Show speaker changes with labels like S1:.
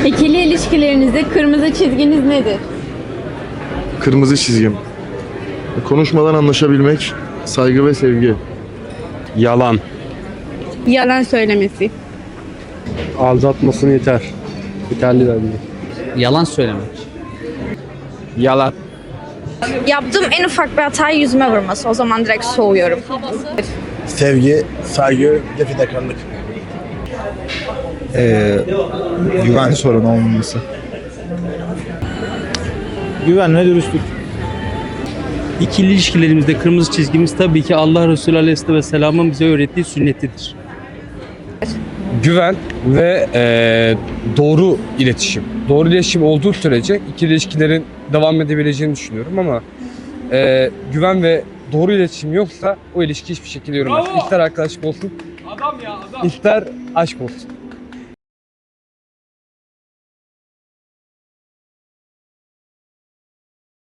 S1: İkili ilişkilerinizde kırmızı çizginiz nedir?
S2: Kırmızı çizgim. Konuşmadan anlaşabilmek, saygı ve sevgi.
S3: Yalan.
S1: Yalan söylemesi.
S3: Aldatmasın yeter. Yeterli bence.
S4: Yalan söylemek.
S3: Yalan.
S5: Yaptığım en ufak bir hatayı yüzüme vurması. O zaman direkt soğuyorum.
S6: Sevgi, saygı, bir de fedakarlık. Güven sorunu olmaması.
S7: Güven ve dürüstlük.
S4: İkili ilişkilerimizde kırmızı çizgimiz tabii ki Allah Resulü Aleyhisselatü Vesselam'ın bize öğrettiği sünnetidir.
S8: Güven ve doğru iletişim. Doğru iletişim olduğu sürece ikili ilişkilerin devam edebileceğini düşünüyorum ama güven ve doğru iletişim yoksa o ilişki hiçbir şekilde yürümez. İster arkadaşlık olsun, ister aşk olsun.